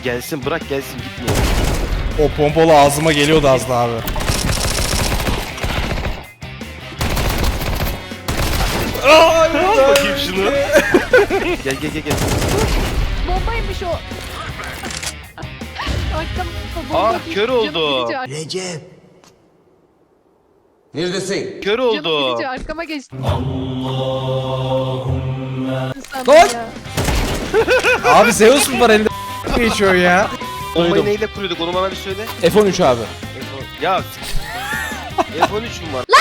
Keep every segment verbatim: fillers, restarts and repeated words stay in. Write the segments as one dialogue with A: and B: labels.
A: Gelsin, bırak gelsin, gitmiyor.
B: O pompalı ağzıma geliyordu az daha abi.
A: Al bakayım şunu. Gel gel gel gel.
C: Bombaymış o. Arkam bomba.
A: Aa,
C: değil,
A: kör
C: canım
A: oldu.
C: gidince ar-
D: Recep. Neredesin?
A: Kör
C: Canım
A: oldu.
C: gidince arkama geçti. İnsan
B: Lan!
C: ya.
B: Abi Zeus mu var elinde geçiyor ya?
A: Bombayı
B: Duydum.
A: neyle kuruyorduk, onu bana bir söyle.
B: F on üç abi.
A: F on Ya F on üç mü var?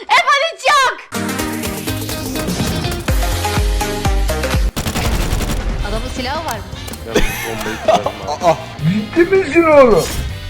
C: Adamın silahı varmış.
A: Ben bu bombayı kurarım abi.
B: Aa.
D: Ciddi misin oğlum?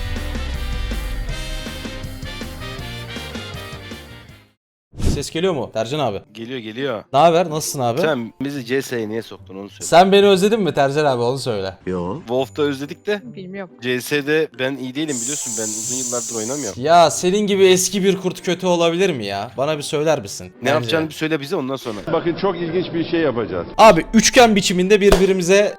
B: Ses geliyor mu Tercan abi?
A: Geliyor geliyor.
B: Ne haber? Nasılsın abi? Sen,
A: Sen bizi C S'ye niye soktun onu söyle.
B: beni özledin mi Tercan abi? Onu söyle.
D: Yo.
A: Wolf'ta özledik de
C: Bilmiyorum.
A: C S'de ben iyi değilim biliyorsun, ben uzun yıllardır oynamıyorum.
B: Ya senin gibi eski bir kurt kötü olabilir mi ya? Bana bir söyler misin?
A: Ne
B: Bence.
A: yapacağını bir söyle bize, ondan sonra.
E: Bakın çok ilginç bir şey yapacağız.
B: Abi üçgen biçiminde birbirimize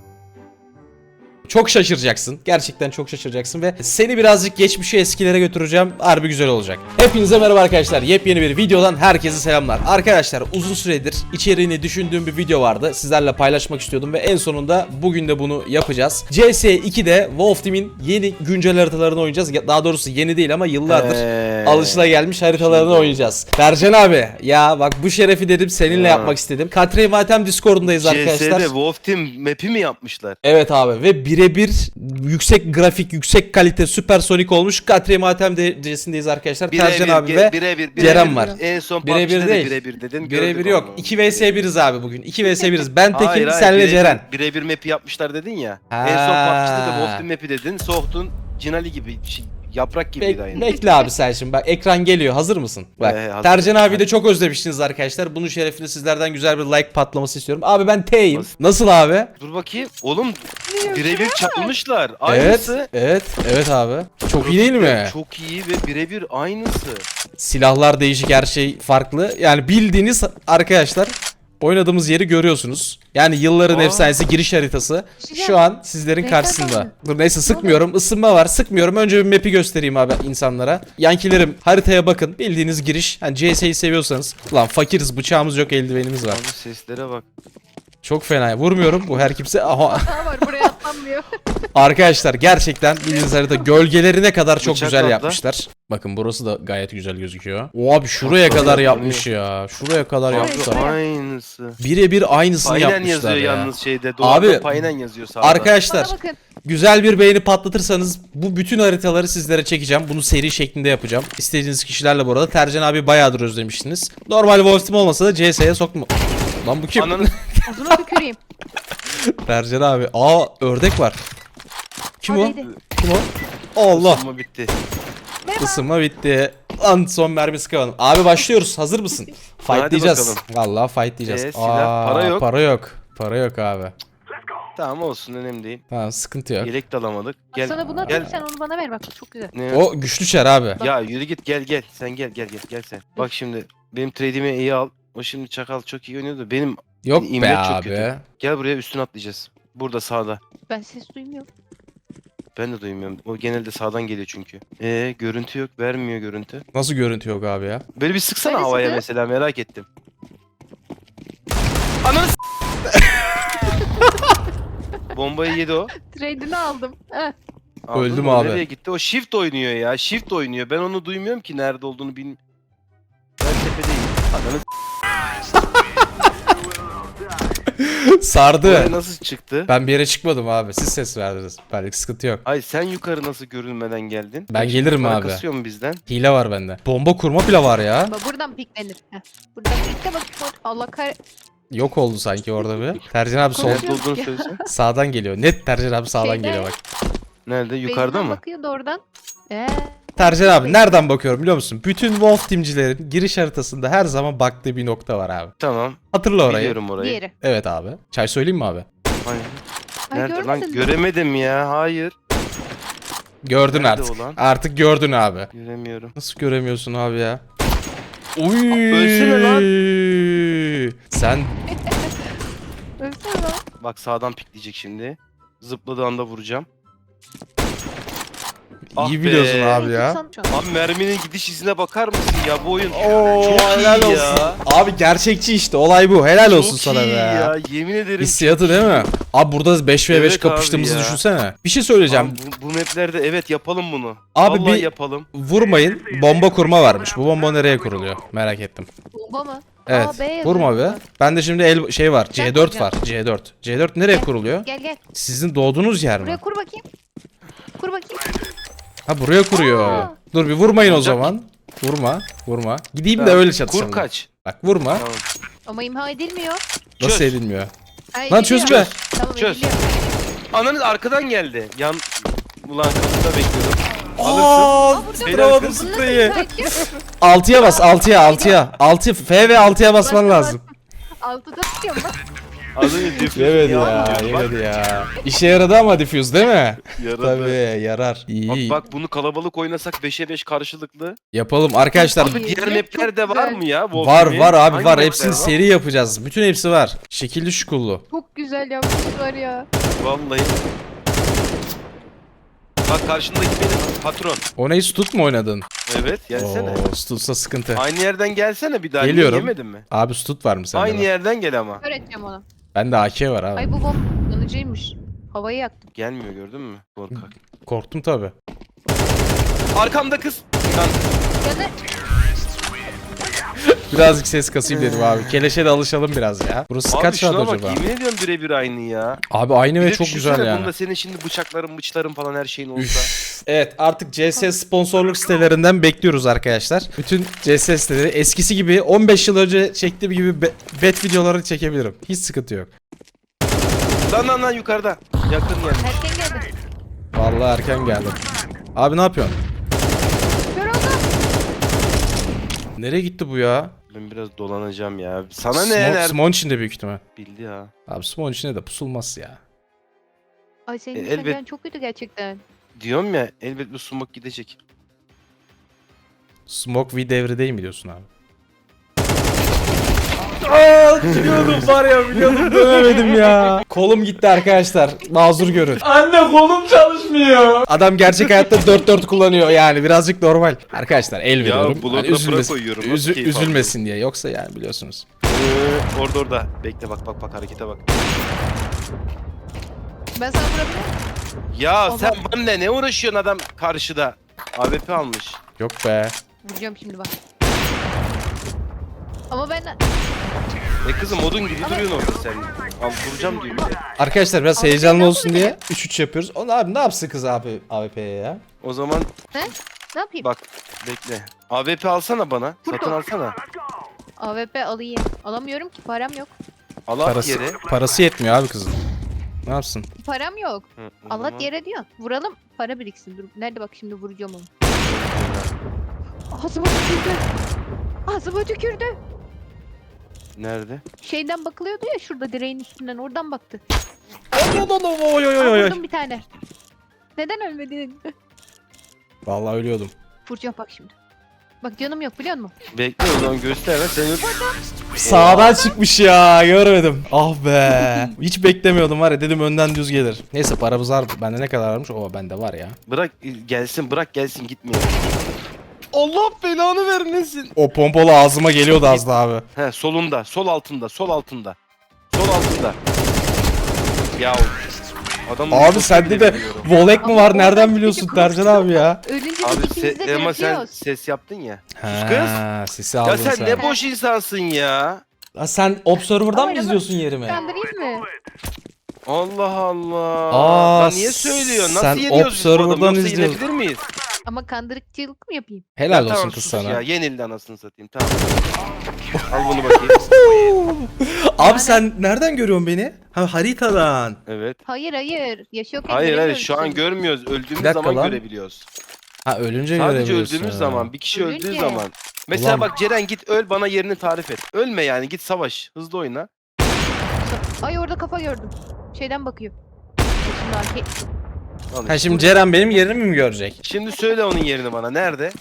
B: çok şaşıracaksın. Gerçekten çok şaşıracaksın ve seni birazcık geçmişe, eskilere götüreceğim. Harbi güzel olacak. Hepinize merhaba arkadaşlar. Yepyeni bir videodan herkese selamlar. Arkadaşlar uzun süredir içeriğini düşündüğüm bir video vardı. Sizlerle paylaşmak istiyordum ve en sonunda bugün de bunu yapacağız. C S iki'de Wolf Team'in yeni güncel haritalarını oynayacağız. Ya- Daha doğrusu yeni değil ama yıllardır
A: Ee,
B: alışılagelmiş haritalarını oynayacağız. Bercan abi ya bak bu şerefi dedim seninle
A: Ya.
B: yapmak istedim. Katre Matem Discord'undayız
A: C
B: arkadaşlar.
A: S'de Wolf Team map'i mi yapmışlar?
B: Evet abi ve birebir yüksek grafik, yüksek kalite, süpersonik olmuş. Katre Matem derecindeyiz arkadaşlar. Tercan abi ve
A: birebir,
B: Ceren var.
A: En son
B: Birebir
A: PUBG'de de
B: değil.
A: birebir dedin.
B: birebir
A: gördük
B: yok.
A: onu.
B: iki vs biriz abi bugün. iki vs biriz. Ben
A: Hayır,
B: Tekin,
A: hayır,
B: senle
A: birebir-
B: Ceren.
A: Birebir map'i yapmışlar dedin ya.
B: Ha.
A: En son PUBG'de de Wolf Team map'i dedin. Soğuktun. Cinali gibi, şey, yaprak gibiydi
B: Bek-
A: aynı.
B: bekle abi sen şimdi bak ekran geliyor, hazır mısın? Bak
A: Ee, hazır.
B: Tercan abi de çok özlemiştiniz arkadaşlar. Bunun şerefine sizlerden güzel bir like patlaması istiyorum. Abi ben T'yim.
A: Nasıl?
B: Nasıl abi?
A: Dur bakayım. Oğlum birebir çalmışlar.
B: Evet,
A: Aynısı.
B: evet, evet abi. Çok iyi değil mi?
A: Çok iyi ve birebir aynısı.
B: Silahlar değişik, her şey farklı. Yani bildiğiniz arkadaşlar oynadığımız yeri görüyorsunuz. Yani yılların
A: Aa.
B: efsanesi giriş haritası
C: Güzel.
B: şu an sizlerin
C: Reklam
B: karşısında.
C: mı?
B: Dur neyse sıkmıyorum. Isınma var. Sıkmıyorum. Önce bir map'i göstereyim abi insanlara. Yankilerim haritaya bakın. Bildiğiniz giriş. Hani C S'yi seviyorsanız. Lan fakiriz, bıçağımız yok, eldivenimiz var.
A: Abi seslere bak.
B: Çok fena. Vurmuyorum. Bu her kimse. Aha.
C: Hata var, buraya atlanmıyor.
B: Arkadaşlar gerçekten bildiğiniz harita gölgelerine kadar çok
A: Bıçak
B: güzel
A: abla.
B: yapmışlar. Bakın burası da gayet güzel gözüküyor. O abi şuraya kadar yapmış ya. Şuraya kadar
C: Abi,
B: yapmışlar.
C: Yapmışlar.
A: Aynısı.
B: Birebir aynısını
A: Aynen
B: yapmışlar
A: yazıyor
B: ya.
A: yalnız şeyde. Duvarda
B: Abi,
A: Paynen yazıyor sağda.
B: Arkadaşlar
C: Bana bakın.
B: güzel bir beğeni patlatırsanız bu bütün haritaları sizlere çekeceğim. Bunu seri şeklinde yapacağım. İstediğiniz kişilerle bu arada. Tercan abi bayağıdır özlemiştiniz. Normal Wolf Team olmasa da C S'ye sokma. Lan bu kim?
A: Ananı
C: Uzuna tüküreyim.
B: Tercan abi. Aa ördek var. Kim o?
C: Hadi.
B: Kim o? Allah.
A: Isınma bitti.
B: Isınma bitti. Lan son mermi sıkamadım. Abi başlıyoruz. Hazır mısın? Fight diyeceğiz. Vallahi fight diyeceğiz.
A: Ee, silah, para yok.
B: Para yok. Para yok abi.
A: Tamam olsun, önemli değil.
B: Tamam sıkıntı yok.
A: Yelek de alamadık. Gel.
C: Sana bunu
A: gel.
C: atayım, sen onu bana ver bak, çok güzel.
A: Ne?
B: O güçlü çer abi.
A: Ya yürü git, gel gel. Sen gel gel gel gel sen. Bak şimdi benim trade'imi iyi al. O şimdi çakal çok iyi oynuyordu. Benim
B: Yok
A: İmle
B: be
A: çok
B: abi.
A: kötü. gel buraya, üstüne atlayacağız. Burada sağda.
C: Ben ses duymuyorum.
A: Ben de duymuyorum. O genelde sağdan geliyor çünkü. Ee görüntü yok. Vermiyor görüntü.
B: Nasıl görüntü yok abi ya?
A: Böyle bir sıksana
C: Neresi
A: havaya
C: kız?
A: mesela, merak ettim. Ananı s- Bombayı yedi o.
C: Trade'ini aldım. Heh.
A: Aldın
B: Öldüm
A: mı?
B: abi.
A: Nereye gitti? O shift oynuyor ya. Shift oynuyor. Ben onu duymuyorum ki, nerede olduğunu bilmiyorum. Ben tepedeyim. Ananı s-
B: Sardı.
A: Buraya nasıl çıktı?
B: Ben bir yere çıkmadım abi. Siz ses verdiniz. Belki sıkıntı yok.
A: Ay sen yukarı nasıl görünmeden geldin?
B: Ben
A: Bak,
B: gelirim
A: para
B: abi.
A: kasıyor mu bizden?
B: Hile var bende. Bomba kurma bile var ya.
C: Bak buradan piklenir. Heh. Buradan pikle bak. Allah kar...
B: Yok oldu sanki orada bir. Tercan abi sol
C: Konuşuyor.
A: Nerede olduğunu söylesen.
B: sağdan geliyor. Net Tercan abi sağdan
C: Şeyde.
B: geliyor bak.
A: Nerede? Yukarıda
C: Beyzden
A: mı?
C: bakıyor da oradan. Ee,
B: Tercan abi nereden bakıyorum biliyor musun? Bütün Wolf Team'cilerin giriş haritasında her zaman baktığı bir nokta var abi.
A: Tamam.
B: Hatırla orayı.
A: Biliyorum orayı.
C: diğeri.
B: Evet abi. Çay söyleyeyim mi abi?
A: Hayır.
C: Ay,
A: Nerede lan?
C: görmedin mi?
A: Göremedim ya. Hayır.
B: Gördün
A: Nerede
B: artık.
A: o lan?
B: Artık gördün abi.
A: Göremiyorum.
B: Nasıl göremiyorsun abi ya? Uy.
A: Ölsene lan.
B: Sen
C: Ölsene lan.
A: Bak sağdan pikleyecek şimdi. Zıpladığı anda vuracağım. Ah
B: İyi
A: be.
B: biliyorsun abi ya.
C: Tutsan-
A: Abi merminin gidiş izine bakar mısın ya bu oyun?
B: Oo,
A: Çok iyi
B: helal olsun.
A: ya.
B: Abi gerçekçi işte olay bu. Helal olsun
A: Çok
B: sana
A: iyi
B: be.
A: ya, yemin ederim.
B: Hissiyatı değil mi? Abi burada beş ve beş
A: Evet
B: kapıştığımızı
A: abi ya.
B: düşünsene. Bir şey söyleyeceğim.
A: Abi bu, bu maplerde evet yapalım bunu.
B: Abi
A: Vallahi
B: bir-
A: yapalım.
B: Vurmayın. Bomba kurma varmış. Bu bomba nereye kuruluyor? Merak ettim.
C: Bomba mı?
B: Evet.
C: Aa, B yazıyor
B: Vurma be.
C: burada.
B: Ben de şimdi el şey var. C dört
C: kuracağım.
B: var. C dört. C dört nereye
C: Gel.
B: kuruluyor?
C: Gel gel.
B: Sizin doğduğunuz yer
C: Buraya
B: mi?
C: kur bakayım. Kur bakayım.
B: Ha buraya kuruyor.
C: Aa.
B: Dur bir vurmayın o
A: Olacak.
B: zaman. Vurma. Vurma. Gideyim de
A: Tamam,
B: öyle çatışalım.
A: Kur kaç.
B: Bak vurma.
A: Tamam.
C: Ama imha edilmiyor.
B: Nasıl
A: Çöz.
B: edilmiyor?
C: Ha,
B: Lan
C: ediliyor.
B: çözme.
C: Tamam
A: Çöz.
C: ediliyor.
A: Ananız arkadan geldi. Yan... Ulan kapıda bekliyordum.
B: Aaa
C: burada
B: tutturamadım
A: bırakın.
B: spreyi.
C: Sanki
B: altıya bas altıya altıya. altı F ve altıya basman lazım.
C: altıda tutuyorum bak.
A: Az önce diffuse
B: Yemedi
A: niye
B: ya
A: almıyorsun? Bak,
B: yemedi ya. İşe yaradı ama diffuse değil mi?
A: yaradı.
B: Tabii yarar. İyi.
A: Bak bak bunu kalabalık oynasak beşe beş karşılıklı.
B: Yapalım arkadaşlar.
C: Abi,
A: Abi diğer
C: çok
A: maplerde var
C: güzel.
A: mı ya?
B: Var
A: Wolfenstein?
B: var abi
A: Hangi
B: var.
A: mapler
B: Hepsini
A: var?
B: seri yapacağız. Bütün hepsi var. Şekilli şukullu.
C: Çok güzel yapmışlar ya.
A: Vallahi. Bak karşındaki benim patron.
B: O neyi Stut mu oynadın?
A: Evet gelsene.
B: Oo, Stut'sa sıkıntı.
A: Aynı yerden gelsene bir daha. Niye
B: Geliyorum.
A: yemedin mi?
B: Abi Stut var mı sende?
A: Aynı
B: de?
A: yerden gel ama.
C: Öğreteceğim onu.
B: Bende A K var abi.
C: Ay bu bomba yanıcıymış. Havayı yaktım.
A: Gelmiyor gördün mü? Korkak.
B: Korktum tabi.
A: Arkamda kız. Lan
C: Ya da
B: Birazcık ses kasayım dedim abi. Keleşe de alışalım biraz ya. Burası
A: abi
B: kaç saat
A: şuna bak
B: acaba?
A: yemin ediyorum birebir aynı ya.
B: Abi aynı
A: Bir
B: ve
A: de
B: çok
A: düşünsene
B: güzel yani.
A: Bunda senin şimdi bıçakların bıçların falan her şeyin olsa.
B: Üf. Evet artık C S sponsorluk sitelerinden bekliyoruz arkadaşlar. Bütün C S siteleri eskisi gibi on beş yıl önce çektiğim gibi be- bet videoları çekebilirim. Hiç sıkıntı yok.
A: Lan lan lan yukarıda. Yakın yani.
C: erken geldi.
B: Vallahi erken geldim. Abi ne yapıyorsun?
C: Kör oldum.
B: Nereye gitti bu ya?
A: Ben biraz dolanacağım ya. Sana ne?
B: Smoke,
A: Nerede?
B: Smoke'un içinde büyük ihtimal.
A: Bildi ya.
B: Abi Smoke'un içinde de pusulmaz ya.
C: Ay senin
A: E,
C: nişancın
A: elbet-
C: çok kötü gerçekten.
A: Diyorum ya elbet bu sumak gidecek.
B: Smoke V devri değil mi diyorsun abi? Aa, biliyordum var ya biliyordum dönemedim ya. Kolum gitti arkadaşlar. Mazur görün.
D: Anne kolum çalışmıyor.
B: Adam gerçek hayatta dört dört kullanıyor yani birazcık normal. Arkadaşlar el veriyorum.
A: blokla
B: Hani
A: bura
B: üzülmesin,
A: koyuyorum. Nasıl
B: üzü-
A: keyif
B: üzülmesin diye. Yoksa yani biliyorsunuz.
A: Ee, orada orada. Bekle bak bak bak harekete bak.
C: Ben sana vurabilir miyim?
A: Ya
C: Allah.
A: sen benimle ne uğraşıyorsun adam karşıda? A W P almış.
B: Yok be.
C: Vuracağım şimdi bak. Ama ben
A: E kızım odun gibi duruyorsun orada sen. Al vuracağım diyor bir de.
B: Arkadaşlar biraz
C: Abi
B: heyecanlı
C: ben
B: olsun
C: bunu
B: diye üç üç yapıyoruz. Onu abi ne yapsın kız abi A W P'ye ya?
A: O zaman
C: ne yapayım?
A: bak bekle. A W P alsana bana.
C: Burada.
A: Satın alsana.
C: A W P alayım. Alamıyorum ki param yok.
A: Al at
B: Parası,
A: yere.
B: parası yetmiyor abi kızın. Ne yapsın?
C: Param yok.
A: Hı, o
C: Allah
A: zaman-
C: yere diyor. Vuralım para biriksin. Dur. Nerede bak şimdi vuracağım onu. Ağzıma tükürdü. Ağzıma tükürdü.
A: Nerede?
C: Şeyden bakılıyordu ya şurada direğin üstünden oradan baktı.
B: Oy oy oy
C: Aa,
B: oy oy.
C: vurdum bir tane. Neden ölmedin?
B: Vallahi ölüyordum.
C: Vuracağım bak şimdi. Bak canım yok biliyor musun?
A: Bekle o zaman göster lan sen öl-
B: Sağdan çıkmış ya görmedim. Ah be. Hiç beklemiyordum var ya dedim önden düz gelir. Neyse paramız var. Bende ne kadar varmış? Oo bende var ya.
A: Bırak gelsin bırak gelsin gitmeyin. Allah belanı vermesin.
B: O pompalı ağzıma geliyordu az daha abi.
A: He solunda sol altında sol altında. Sol altında. Ya adamın
B: Abi
A: nüfusunu
B: sende
A: bile
B: de
A: biliyorum.
B: volek mi
C: Ama
B: var?
C: oradan
B: Nereden
C: bir
B: biliyorsun
C: çocuk
B: Tercan abi ya?
C: Ölünce de
A: Abi
C: ikimiz de
A: se- ama sen
C: diriltiyoruz.
A: ses yaptın ya.
B: Ha, sesi aldın
A: Ya sen,
B: sen.
A: ne boş insansın ya.
B: Ha, sen Observer'dan mı
C: Ama-
B: izliyorsun yerimi?
C: Kandırayım mı?
A: Allah Allah.
B: Aa,
A: Lan niye söylüyorsun? Nasıl
B: sen
A: yeniyoruz biz bu adamı?
B: Observer'dan
A: Yoksa
B: izliyorsun.
A: yenebilir miyiz?
C: Ama kandırıkçılık mı yapayım?
B: Helal
A: Ya
B: olsun
A: tamam,
B: kız
A: sus
B: sana.
A: Ya yenildi anasını satayım tamam. Al bunu bakayım.
B: Abi sen nereden görüyorsun beni? Ha haritadan.
A: Evet.
C: Hayır hayır. Yaşıyorken
A: Hayır hayır
C: göremiyoruz
A: şu an
C: seni.
A: görmüyoruz. Öldüğümüz
B: Bir dakika
A: zaman
B: lan.
A: görebiliyoruz.
B: Ha ölünce
A: Sadece
B: görebiliyorsun.
A: öldüğümüz zaman, bir kişi öldüğü
C: Ölünce.
A: zaman. Mesela
B: Ulan.
A: bak Ceren git öl bana yerini tarif et. Ölme yani git savaş. Hızlı oyna.
C: Ay orada kafa gördüm. Şeyden bakıyor. Şimdi arke...
A: Al
B: Ha
A: işte.
B: şimdi Ceren benim yerimi mi görecek?
A: Şimdi söyle onun yerini bana. Nerede?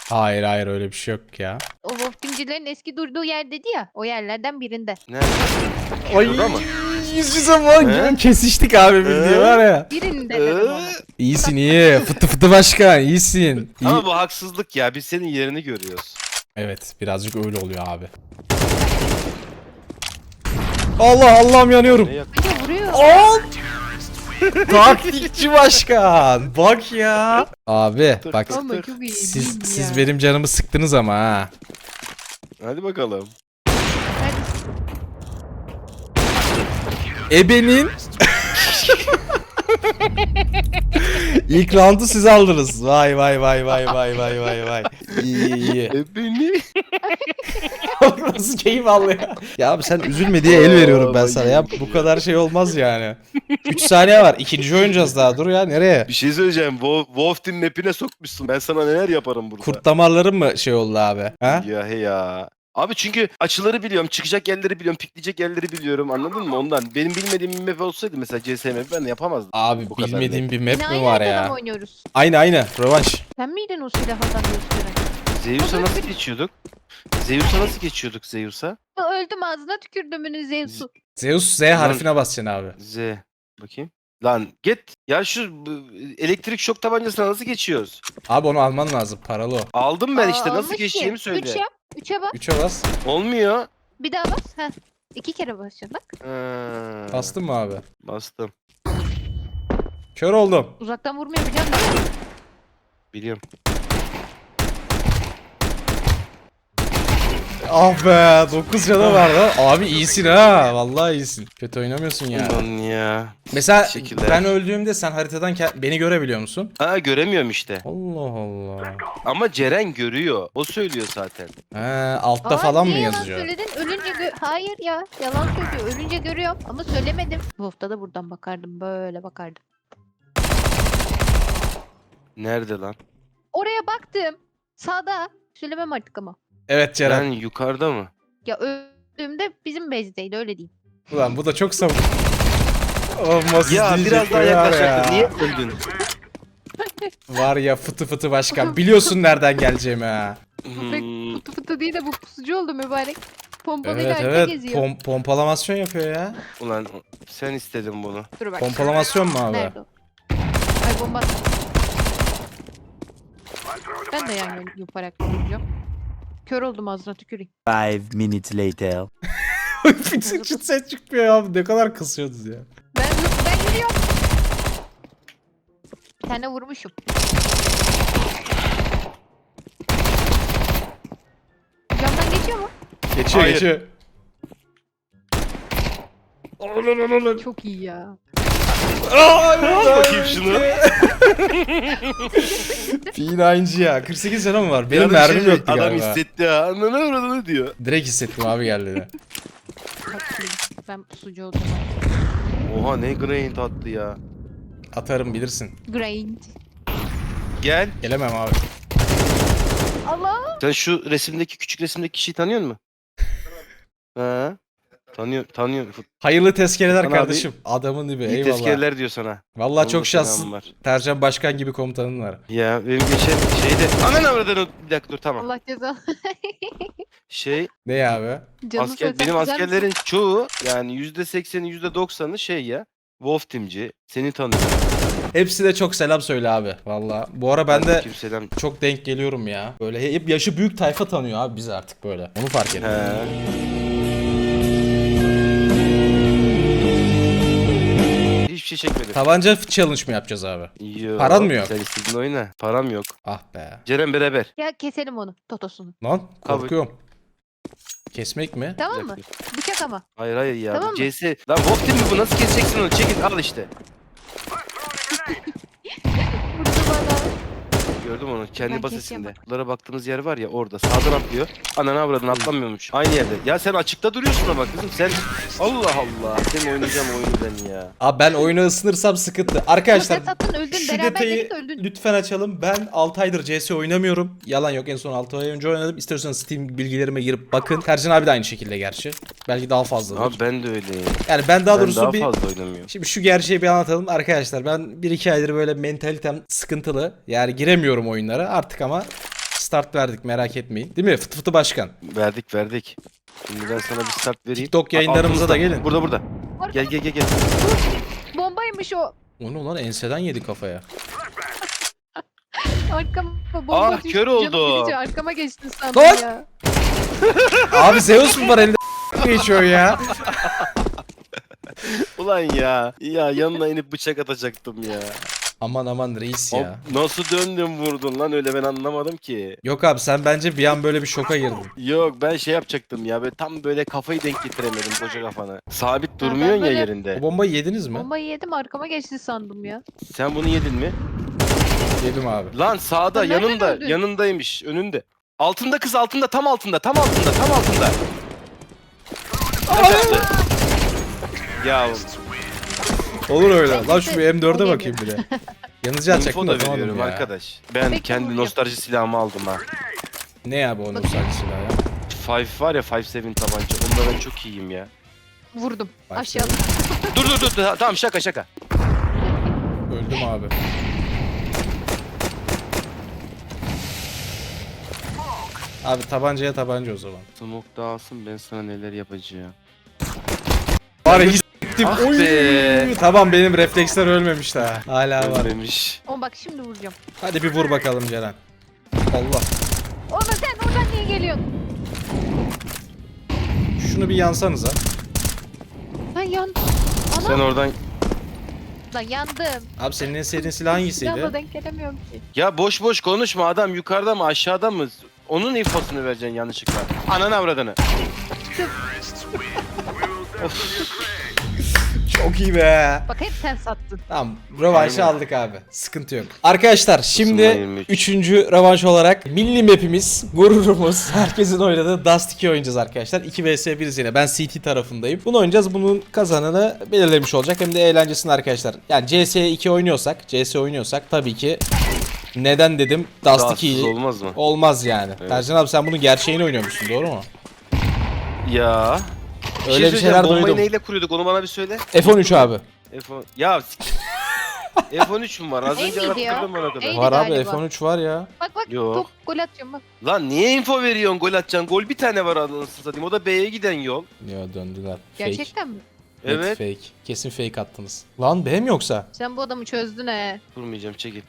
B: Hayır hayır öyle bir şey yok ya.
C: O Wolf'cimcilerin eski durduğu yer dedi ya. O yerlerden birinde.
A: Nerede?
B: Ay
A: Şurada mı?
B: yüz yüze bak
A: He?
B: kesiştik abi bildiğin
A: He?
B: var ya.
C: Birinde
A: Ee?
C: dedim ona.
B: İyisin iyi. Fıtı fıtı başkan iyisin. İyi.
A: Ama bu haksızlık ya. Biz senin yerini görüyoruz.
B: Evet birazcık öyle oluyor abi. Allah Allah'ım yanıyorum.
A: Ne yak-
C: Hadi vuruyor.
B: Aa! Taktikçi başkan. Bak ya. Abi bak
C: Ama çok iyi.
B: siz
C: değil mi
B: siz
C: ya?
B: benim canımı sıktınız ama ha.
A: Hadi bakalım.
C: Hadi.
B: Ebenin İlk roundu siz aldınız. Vay vay vay vay vay vay vay vay. İyi iyi iyi.
A: E beni.
B: Nasıl keyif alıyor. Ya abi sen üzülme diye el veriyorum ben sana ya. Bu kadar şey olmaz yani. üç saniye var. İkinci oynayacağız daha. Dur ya nereye?
A: Bir şey söyleyeceğim. Wo- Wolf Team'in map'ine sokmuşsun. Ben sana neler yaparım burada.
B: Kurt damarların mı şey oldu abi? Ha?
A: Ya he ya. Abi çünkü açıları biliyorum, çıkacak yerleri biliyorum, pikleyecek yerleri biliyorum. Anladın mı? Ondan. Benim bilmediğim bir map olsaydı mesela C S map ben de yapamazdım.
B: Abi
A: Bu kadar
B: bilmediğim bir
C: Yine
B: map mi
C: aynı
B: var
C: haritada mı
B: ya?
C: oynuyoruz?
B: Aynı aynı. Rövanş.
C: Sen miydin o silahı adam gösteren?
A: Zeus'a nasıl geçiyorduk? Zeus'a nasıl geçiyorduk Zeus'a?
C: Öldüm ağzına tükürdümünün Zeus'u.
B: Zeus Z harfine basacaksın abi.
A: Z. Bakayım. Lan git. Ya şu bu, elektrik şok tabancasına nasıl geçiyoruz?
B: Abi onu alman lazım. Paralı o.
A: Aldım ben işte.
C: Aa,
A: Nasıl
C: olmuş
A: geçeceğimi
C: ki.
A: söyle.
C: Üç yap. Üçe bas.
B: Üçe bas.
A: Olmuyor.
C: Bir daha bas. Heh. İki kere basacaksın bak.
A: Ha,
B: Bastın mı abi?
A: Bastım.
B: Kör oldum.
C: Uzaktan vurmuyor biliyor musun?
A: Biliyorum.
B: Ah be dokuz canı var lan. Abi iyisin ha. Vallahi iyisin. Kötü oynamıyorsun ya.
A: Ulan ya.
B: Mesela
A: Teşekkürler.
B: ben öldüğümde sen haritadan ke- beni görebiliyor musun?
A: Ha göremiyorum işte.
B: Allah Allah.
A: Ama Ceren görüyor. O söylüyor zaten.
B: He, altta
C: Aa,
B: falan mı
C: niye
B: yazıyor?
C: Yalan söyledin. Ölünce gö- Hayır ya. Yalan söylüyor. Ölünce görüyorum ama söylemedim. Bu hafta da buradan bakardım. Böyle bakardım.
A: Nerede lan?
C: Oraya baktım. Sağda. Söylemem artık ama.
B: Evet Ceren.
A: Ben yukarıda mı?
C: Ya öldüğümde bizim bezdeydi öyle diyeyim.
B: Ulan bu da çok savun. Olmaz
A: Ya
B: diyecek
A: biraz daha
B: var ya.
A: yaklaşacaktın. Niye öldün?
B: Var ya fıtı fıtı başkan. Biliyorsun nereden geleceğimi ha.
C: Köpek
A: Hmm,
C: fıtı fıtı değil de bu pusucu oldu mübarek. Pompalıyla
B: Evet
C: arka
B: evet.
C: geziyor.
B: Pom pompalamasyon yapıyor ya.
A: ulan sen istedin bunu.
C: Dur bak.
B: Pompalamasyon mu abi?
C: Nerede o? Ay bomba. Ben de yani yaparak vuracağım. Kör oldum ağzına tüküreyim.
F: Five minutes later.
B: Çıt çıt ses çıkmıyor ya. Ne kadar kısıyordunuz ya.
C: Ben, ben giriyorum. Bir tane vurmuşum. Camdan geçiyor mu?
B: Geçiyor
A: Hayır.
B: geçiyor.
C: Çok iyi ya.
A: Al bakayım şunu.
B: P nine'ci ya. kırk sekiz canım mı var? Benim
A: Ya da
B: mermim
A: şey,
B: yoktu
A: Adam
B: galiba.
A: hissetti ha. Ananı avradını diyor.
B: Direkt hissettim abi geldiğini.
C: Bak şimdi ben pusucu oldum.
A: Oha ne grind attı ya.
B: Atarım bilirsin.
C: Grind.
A: Gel.
B: Gelemem abi.
C: Allah.
A: Sen şu resimdeki küçük resimdeki kişiyi tanıyor musun? Ha? Tanıyor, tanıyor.
B: Hayırlı tezkereler
A: Hakan
B: kardeşim. Adamın gibi
A: İyi
B: eyvallah.
A: tezkereler diyor sana.
B: Vallahi
A: Onun
B: çok
A: da
B: şanslısın.
A: selamı var.
B: Tercan Başkan gibi komutanın var.
A: Ya benim geçen şeyde... Ananı avradını... Bir dakika dur tamam.
C: Allah ceza.
A: Şey,
B: Ne ya abi?
C: Canını
A: asker,
C: söylesem
A: benim
C: güzel
A: askerlerin
C: misin?
A: çoğu yani yüzde sekseni yüzde doksanı şey ya. Wolf Team'ci. Seni tanıyor.
B: Hepsi de çok selam söyle abi. Vallahi. Bu ara ben de
A: Kimseden...
B: çok denk geliyorum ya. Böyle hep yaşı büyük tayfa tanıyor abi bizi artık böyle. Onu fark ettim.
A: He. Hiçbir şey çekmedim.
B: Tabanca challenge mı yapacağız abi?
A: Yok.
B: Paran mı yok?
A: Sen istediğin oyna. Param yok.
B: Ah be.
A: Ceren beraber.
C: Ya keselim onu. Totosunu.
B: Lan korkuyorum. Kesmek mi?
C: Tamam mı? Bıçak ama.
A: Hayır hayır ya.
C: Tamam
A: bu
C: mı?
A: C S... Lan Wolf Team mi bu? Nasıl keseceksin onu? Çekil al işte.
C: Vurdu bana.
A: Gördüm onu. Kendi
C: Ben
A: basesinde.
C: keseceğim
A: Bunlara baktığımız yer var ya orada. Sağdan atlıyor. Ananı avradını atlamıyormuş. Aynı yerde. Ya sen açıkta duruyorsun ama kızım sen... Allah Allah. Senin oynayacağım oyunu ben ya.
B: Abi ben oyunu ısınırsam sıkıntı. Arkadaşlar
C: Sen sattın öldün.
B: şu
C: Beraber
B: detayı
C: dedik öldün.
B: lütfen açalım. Ben altı aydır C S oynamıyorum. Yalan yok en son altı ay önce oynadım. İsterseniz Steam bilgilerime girip bakın. Tercan abi de aynı şekilde gerçi. Belki daha fazladır.
A: Abi ben de öyleyim.
B: Yani ben daha
A: ben
B: doğrusu
A: daha
B: bir...
A: fazla oynamıyorum.
B: Şimdi şu gerçeği bir anlatalım arkadaşlar. Ben bir iki aydır böyle mentalitem sıkıntılı. Yani giremiyorum oyunlara artık ama start verdik, merak etmeyin. Değil mi? Fıtı fıtı başkan.
A: Verdik verdik. Şimdi ben sana bir start vereyim.
B: TikTok yayınlarımıza da
A: Altımızda.
B: gelin.
A: Burada burada. Gel gel gel gel.
C: Bombaymış o.
B: O ne lan, enseden yedi kafaya.
C: Arkama bomba
A: Ah,
C: düştü.
A: kör
C: Canım
A: oldu.
C: gidince arkama geçtin sandım
B: Lan!
C: ya.
B: Abi Zeus mu var elinde geçiyor ya?
A: Ulan ya. Ya yanına inip bıçak atacaktım ya.
B: Aman aman reis
A: Hop,
B: ya.
A: nasıl döndün vurdun lan öyle, ben anlamadım ki.
B: Yok abi, sen bence bir an böyle bir şoka girdin.
A: Yok ben şey yapacaktım ya, böyle tam böyle kafayı denk getiremedim koca kafana. Sabit
C: ben
A: durmuyorsun ya
C: böyle-
A: yerinde.
B: O bombayı yediniz mi?
C: Bombayı yedim arkama geçti sandım ya.
A: Sen bunu yedin mi?
B: Yedim abi.
A: Lan sağda,
C: Sen nereden
A: yanında,
C: öldün?
A: yanındaymış, önünde. Altında kız, altında, tam altında, tam altında, tam altında. Taş attı. Ya
B: Olur öyle.
C: Neyse,
B: Lan şu bir M dörde
C: o
B: bakayım bir de. Yanıcı atacaktım
A: info
B: da
A: da
B: tamam
A: veriyorum
B: ya.
A: arkadaş. Ben
C: Peki,
A: kendi
C: vuracağım.
A: nostalji silahımı aldım ha.
B: Ne abi o nostalji silahı ya?
A: Five var ya, Five Seven tabanca. Onda ben çok iyiyim ya.
C: Vurdum.
B: Bak
C: Aşağıda.
A: Dur dur dur, dur. Tamam şaka şaka.
B: Öldüm abi. Abi tabancaya tabanca o zaman.
A: Smoke dağılsın, ben sana neler yapacağım.
B: Var ya hissettim.
A: Ah
B: Oy.
A: be.
B: Tamam, benim refleksler ölmemiş daha. Hala var.
A: Ölmemiş.
C: Ama bak şimdi vuracağım.
B: Hadi bir vur bakalım Ceren. Allah.
C: Ona sen oradan niye geliyorsun?
B: Şunu bir yansanıza.
C: Lan yandım. Ana.
A: Sen oradan...
C: Lan yandım.
B: Abi senin en sevdiğin silah hangisiydi?
C: Silahla denk gelemiyorum ki.
A: Ya boş boş konuşma, adam yukarıda mı aşağıda mı? Onun infosunu vereceksin yanlışlıkla. Ananı avradını.
B: Çok iyi be.
C: Bak hep sen sattın.
B: Tamam, rövanşı
A: Aynen.
B: aldık abi. Sıkıntı yok. Arkadaşlar şimdi
A: yirmi üç.
B: üçüncü rövanş olarak milli map'imiz, gururumuz, herkesin oynadığı Dust iki oynayacağız arkadaşlar. iki vs bir yine. Ben C T tarafındayım. Bunu oynayacağız. Bunun kazananı belirlemiş olacak. Hem de eğlencesini arkadaşlar. Yani C S iki oynuyorsak, C S oynuyorsak tabii ki neden dedim Dust
A: Dağsız
B: ikiyi
A: olmaz mı?
B: olmaz yani.
A: Evet.
B: Tercan abi sen bunun gerçeğini oynuyormuşsun, doğru mu?
A: Ya. Bir
B: Öyle bir
A: söyleyeceğim,
B: şeyler
A: bombayı
B: duydum.
A: neyle kuruyorduk onu bana bir söyle.
B: F on üç abi.
A: F on... Ya F on üç mü var? Az önce
C: Neydi ya?
A: arattırdım bana kadar.
C: Neydi?
B: Var abi,
C: galiba.
B: F on üç var ya.
C: Bak bak
A: Yok.
C: top gol atacağım bak.
A: Lan niye info veriyorsun, gol atacaksın? Gol bir tane var anasını satayım. O da B'ye giden yol.
B: Ya döndüler. Fake.
C: Gerçekten mi?
B: Net
A: Evet.
B: fake. Kesin fake attınız. Lan B mi yoksa?
C: Sen bu adamı çözdün he.
A: Durmayacağım, çekil.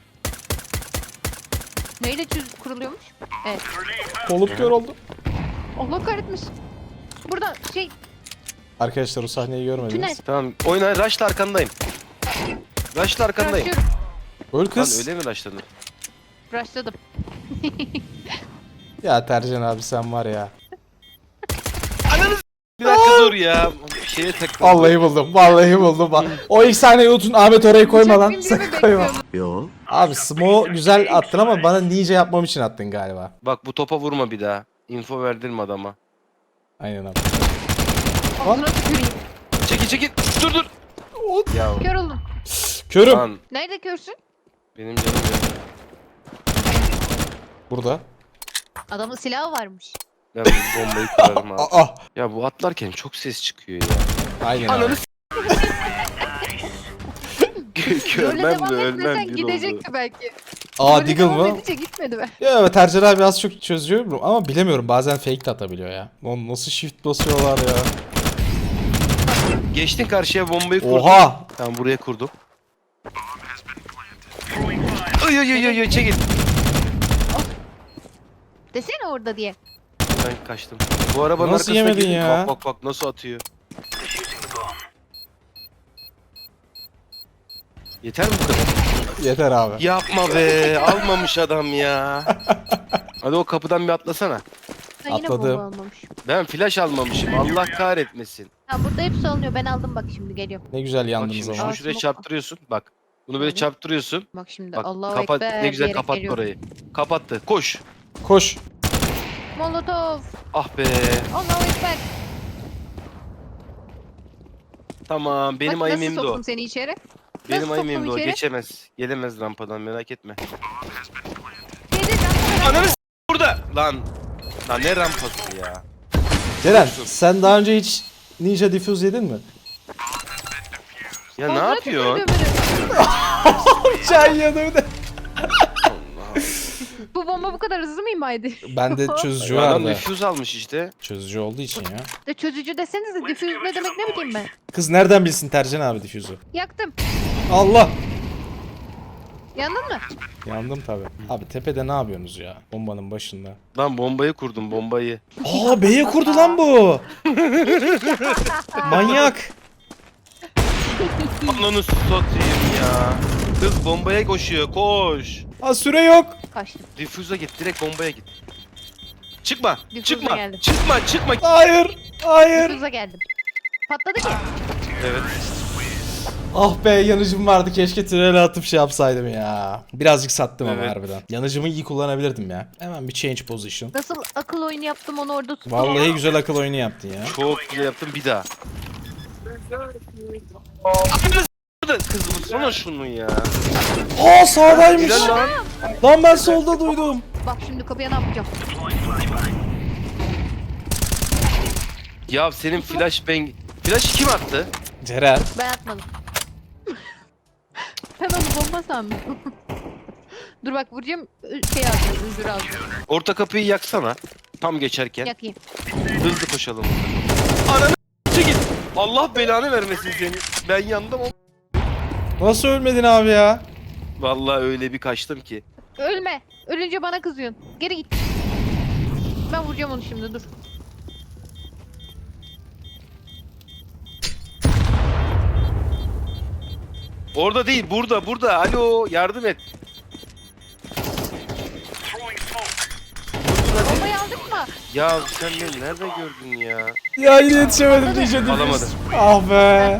C: Neyle çöz kuruluyormuş? Evet.
B: Kolum kör oldu.
C: Allah kahretmesin. Burada şey
B: Arkadaşlar o sahneyi görmediniz.
C: tünel.
A: Tamam oyna, rush'la arkandayım. Rush'la arkandayım.
C: Rushlıyorum.
B: Öl
A: Lan
B: kız.
A: öyle mi rush'ladın?
C: Rushladım.
B: Ya Tercan abi sen var ya.
A: Bir dakika dur ya. Şeye takıldım.
B: Vallahi buldum. Vallahi buldum. O ilk sahneyi unutun, Ahmet orayı koyma lan.
C: Uçak bindiğimi
B: Sakın koyma.
C: bekliyorum.
F: Yo.
B: Abi Smo güzel attın ama bana ninja yapmam için attın galiba.
A: Bak bu topa vurma bir daha. Info verdirme adama.
B: Aynen abi.
C: Ağzına tüküreyim.
A: Çekil çekil. Dur dur. Ya
C: Kör oldum.
B: Körüm.
A: lan
C: Nerede körsün?
A: benim canım ya.
B: Burada.
C: Adamın silahı varmış.
A: Ben bu bombayı kurarım abi.
B: Aa.
A: Ya bu atlarken çok ses çıkıyor ya.
B: Aynen abi.
A: Ananı s-
C: Böyle
A: Görmem
C: devam
A: de ölmem
C: etmesen
A: bir oldu.
C: gidecekti belki.
B: Aa
C: Böyle
B: Deagle
C: devam
B: mı?
C: edince gitmedi be.
B: Ya evet, Tercan abi az çok çözüyorum ama bilemiyorum, bazen fake de atabiliyor ya. Lan nasıl shift basıyorlar ya.
A: Geçtin karşıya, bombayı kurdum.
B: Oha.
A: Tamam buraya kurdum. Ay ay ay ay ay, çekil.
C: Desene orada diye.
A: Ben kaçtım. Bu arabanın
B: Nasıl
A: arkasına
B: yemedin
A: girdim.
B: ya?
A: Bak bak bak nasıl atıyor. Yeter mi bu kadar?
B: Yeter abi.
A: Yapma be, almamış adam ya. Hadi o kapıdan bir atlasana.
C: Ben yine
B: Atladım.
C: bomba almamış.
A: Ben flash almamışım. Allah kahretmesin.
C: Ha burada hepsi alınıyor. Ben aldım bak şimdi geliyorum.
B: Ne güzel
A: Bak
B: yandınız
A: şimdi
B: ama.
A: şunu
C: Aa,
A: şuraya
C: smoke.
A: çarptırıyorsun. Bak. Bunu böyle
C: Evet.
A: çarptırıyorsun.
C: Bak şimdi
A: Bak
C: Allahu
A: kapat,
C: Ekber
A: ne güzel
C: diyerek
A: kapattı
C: geliyorum.
A: orayı. Kapattı. Koş.
B: Koş.
C: Molotov.
A: Ah be.
C: Allahu Ekber.
A: Tamam. Benim
C: Bak,
A: ayım
C: nasıl
A: imdi o.
C: soktum seni içeri?
A: Benim
C: nasıl
A: ayım
C: soktum
A: imdi o.
C: içeri?
A: Geçemez. Gelemez rampadan, merak etme.
C: Yedi can.
A: Ananı s- burada. Lan. Lan ne rampası ya.
B: Ceren sen daha önce hiç Ninja Diffuse yedin mi?
A: Ya ne
C: Ağzına
A: yapıyorsun?
C: tükürdüm beni.
B: Çay yanımda.
A: Allah.
C: Bu Bu bomba bu kadar hızlı mı imaydı?
B: Bende çözücü
A: Adam
B: vardı.
A: nüfuz almış işte.
B: Çözücü olduğu için ya.
C: De çözücü desenize difüz ne demek ne bileyim ben.
B: Kız nereden bilsin Tercan abi difüzü?
C: Yaktım.
B: Allah!
C: Yandın mı?
B: Yandım tabi. Abi tepede ne yapıyorsunuz ya? Bombanın başında.
A: Lan bombayı kurdum bombayı.
B: Aa B'ye kurdu lan bu. Manyak.
A: Ananı satayım ya. Kız bombaya koşuyor koş.
B: Aa süre yok.
C: Kaçtım.
A: Difüze git direkt bombaya git. Çıkma
C: Difüze
A: çıkma
C: geldim.
A: çıkma çıkma.
B: Hayır. Hayır.
C: Difüze geldim. Patladı ki.
A: Evet.
B: Ah be yanıcım vardı, keşke tünele atıp şey yapsaydım ya. Birazcık sattım ama
A: Evet.
B: harbiden. Yanıcımı iyi kullanabilirdim ya. Hemen bir change position.
C: Nasıl akıl oyunu yaptım onu orada tuttum.
B: Vallahi güzel akıl oyunu yaptın ya.
A: Çok güzel yaptım bir daha. Ananı s***dı. Kız vursana şunu ya.
B: Aa sağdaymış.
A: Güzel lan.
B: Lan ben solda duydum.
C: Bak şimdi kapıya ne yapacağım?
A: Ya senin flash bang... Flash kim attı?
B: Ceren.
C: Ben atmadım. Ben onu bomba sandım. Dur bak vuracağım şey alacağım, özür alacağım.
A: Orta kapıyı yaksana. Tam geçerken.
C: Yakayım.
A: Hızlı koşalım. Ananı s*** git. Allah belanı vermesin seni. Ben yandım ama.
B: Nasıl ölmedin abi ya?
A: Vallahi öyle bir kaçtım ki.
C: Ölme. Ölünce bana kızıyorsun. Geri git. Ben vuracağım onu şimdi dur.
A: Orada değil burada burada. Alo yardım et.
C: Bombayı aldık mı?
A: Ya sen beni nerede gördün ya?
B: Ya yine yetişemedim diyeceğim.
A: Alamadım.
B: Ah be.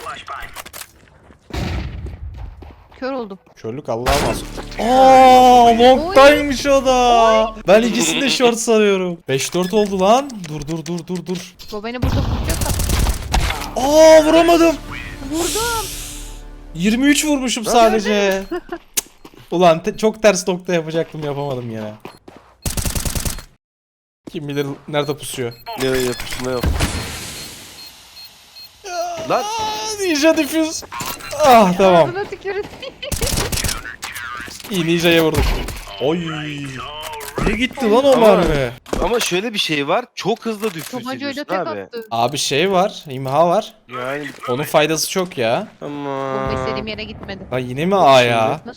C: Kör oldum.
B: Körlük Allah'a mahsus. Aaa long'daymış o da. Ben ikisini de short sanıyorum. beş dört oldu lan. Dur dur dur dur dur.
C: Bu beni burada vuracak da.
B: Aa vuramadım.
C: Vurdum.
B: yirmi üç vurmuşum sadece. Cık. Ulan te- çok ters nokta yapacaktım, yapamadım yine. Kim bilir nerede pusuyor.
A: Ne yapışma yok. Lan
B: Aa, Ninja diffuse. Ah tamam.
C: Ağzına tükürün.
B: İyi Ninja'ya vurdum. Oy. Ne gitti lan o
A: Ama-
B: mermi?
A: ama şöyle bir şey var. Çok hızlı düfüz
C: Tabancayla
A: ediyorsun
C: tek
A: abi.
C: attı.
B: Abi şey var, imha var.
A: Yani
B: Onun faydası çok ya.
A: ama.
C: Bomba istediğim yere gitmedi.
B: Ha yine mi A ya?
C: Nasıl?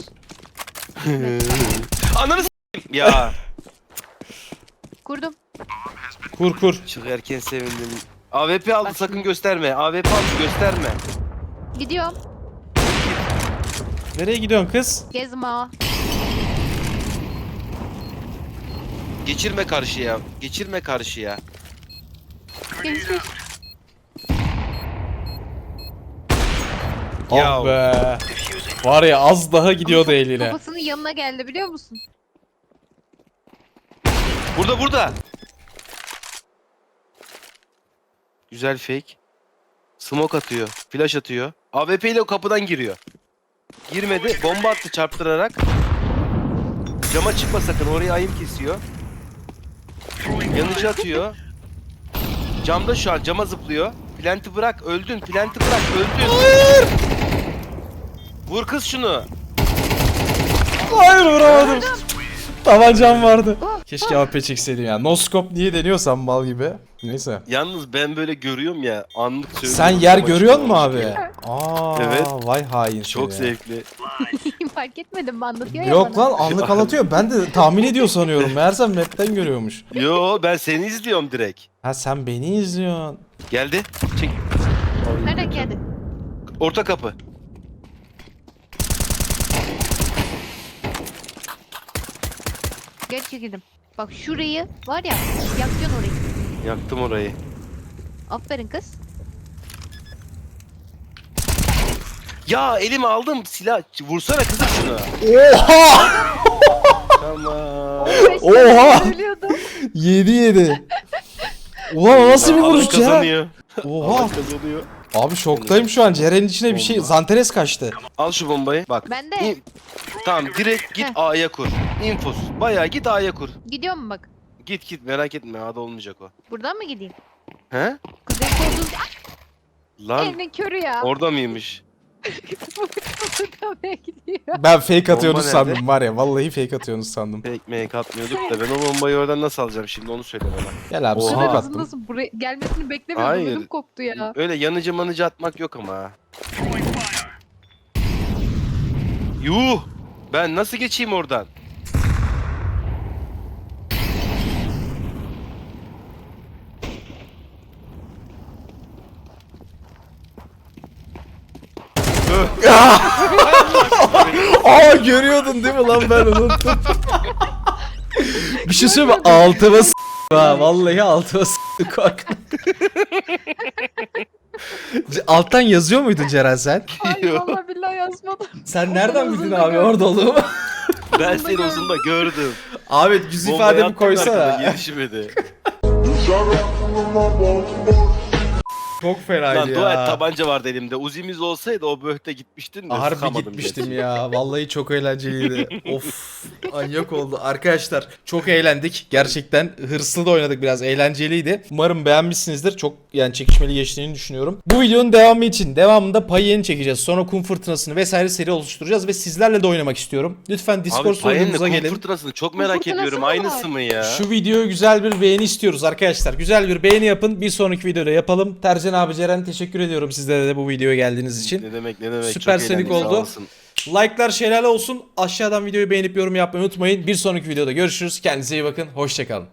A: Ananı s**eyim ya.
C: Kurdum.
B: Kur kur.
A: Çok erken sevindim. A W P aldı
C: Bak
A: sakın
C: şimdi.
A: gösterme. A W P aldı gösterme.
C: Gidiyorum.
B: Nereye gidiyorsun kız?
C: Gezme.
A: Geçirme karşıya. Geçirme karşıya.
C: Gezme.
A: Ya.
B: Ah be. Var ya az daha gidiyordu eline.
C: Babasının yanına geldi biliyor musun?
A: Burada burada. Güzel fake. Smoke atıyor. Flash atıyor. A W P ile o kapıdan giriyor. Girmedi. Bomba attı çarptırarak. Cama çıkma sakın. Oraya ayım kesiyor. Yanıcı atıyor. Camda şu an. Cama zıplıyor. Plant'i bırak. Öldün. Plant'i bırak. Öldün. Vur kız şunu.
B: Hayır vuramadım. Tabancam vardı. Keşke A P çekseydim ya. No scope niye deniyorsam mal gibi. Neyse.
A: Yalnız ben böyle görüyorum ya. Anlık söylüyorum.
B: Sen yer
A: Ama
B: görüyor
A: çıkmamış
B: musun abi?
A: gibi.
B: Aa,
A: Evet.
B: Vay hain
A: Çok
B: seni.
A: zevkli.
C: Fark etmedim mi anlatıyor ya
B: Yok
C: bana.
B: lan anlık anlatıyor. Ben de tahmin ediyor sanıyorum. Meğersem map'ten görüyormuş.
A: Yo ben seni izliyorum direkt.
B: Ha sen beni izliyorsun.
A: Geldi. Çek.
C: Nereden geldi?
A: Orta kapı.
C: Geç çekildim. Bak şurayı var ya yakacaksın orayı.
A: Yaktım orayı.
C: Aferin kız.
A: Ya elime aldım silah. Vursana kızım şunu.
B: Oha!
A: Tamam.
B: Oha!
C: Söylüyordum.
B: yedi yedi. Ulan o nasıl bir
A: Allah
B: vuruş ya?
A: kazanıyor.
B: Oha!
A: Allah kazanıyor.
B: Abi şoktayım şu an. Ceren'in içine bir şey
A: Bomba.
B: Zanteres kaçtı.
A: Al şu bombayı. Bak.
C: Ben de.
A: İn- Tamam direkt git
C: Heh.
A: A'ya kur. Infos. Bayağı git A'ya kur.
C: Gidiyor mu bak?
A: Git git merak etme A'da olmayacak o.
C: Buradan mı gideyim?
A: He?
C: Kuzey koltuğun
A: Lan
C: elinin körü ya.
A: orada mıymış?
C: Kafaya gidiyor.
B: Ben fake atıyorsunuz
A: Bomba nerede?
B: sandım var ya. Vallahi fake atıyorsunuz sandım.
A: Fake make atmıyorduk da ben o bombayı oradan nasıl alacağım şimdi onu söyle bana.
B: Gel abi
A: Oha.
C: Bu
B: smoke
C: kadar
B: attım.
C: hızlı nasıl buraya gelmesini beklemiyordum.
A: Hayır.
C: Ödüm koptu ya.
A: Öyle yanıcı manıcı atmak yok ama. ha. Yuh! Ben nasıl geçeyim oradan?
B: Aa görüyordun değil mi lan ben unuttum. Bir şey söyleyeyim mi? Altıma s*** ha. Vallahi altıma s*** korktum. C- Alttan yazıyor muydun Ceren sen?
C: Ay vallahi billahi yazmadım.
B: Sen nereden
C: Uzun
B: bildin
C: da
B: abi
C: gördüm.
B: orada olduğumu?
A: Ben seni uzun da gördüm.
B: Abi yüz
A: Bombayı
B: ifademi
A: attın
B: koysana.
A: arkadan, Gelişmedi.
B: Çok fenaydı
A: Lan
B: ya.
A: dua et tabanca vardı elimde. Uzimiz olsaydı o böhte gitmiştin de
B: Harbi
A: sıkamadım
B: gitmiştim
A: gerçi.
B: ya. Vallahi çok eğlenceliydi. Of, manyak oldu. Arkadaşlar çok eğlendik. Gerçekten hırslı da oynadık biraz. Eğlenceliydi. Umarım beğenmişsinizdir. Çok yani çekişmeli geçtiğini düşünüyorum. Bu videonun devamı için devamında Payen'i çekeceğiz. Sonra kum fırtınasını vesaire seri oluşturacağız ve sizlerle de oynamak istiyorum. Lütfen Discord
A: Abi Payen'le
B: sunucumuza
A: kum
B: gelin.
A: fırtınasını çok
C: Kum
A: merak
C: fırtınası
A: ediyorum.
C: mı var?
A: Aynısı mı ya?
B: Şu videoya güzel bir beğeni istiyoruz arkadaşlar. Güzel bir beğeni yapın. Bir sonraki videoda yapalım. Tercan abi, Ceren teşekkür ediyorum sizlere de bu videoya geldiğiniz için.
A: Ne demek ne demek.
B: Süper
A: Çok
B: senik
A: eğlendik, sağ
B: oldu.
A: olasın.
B: Like'lar şelale olsun. Aşağıdan videoyu beğenip yorum yapmayı unutmayın. Bir sonraki videoda görüşürüz. Kendinize iyi bakın. Hoşçakalın.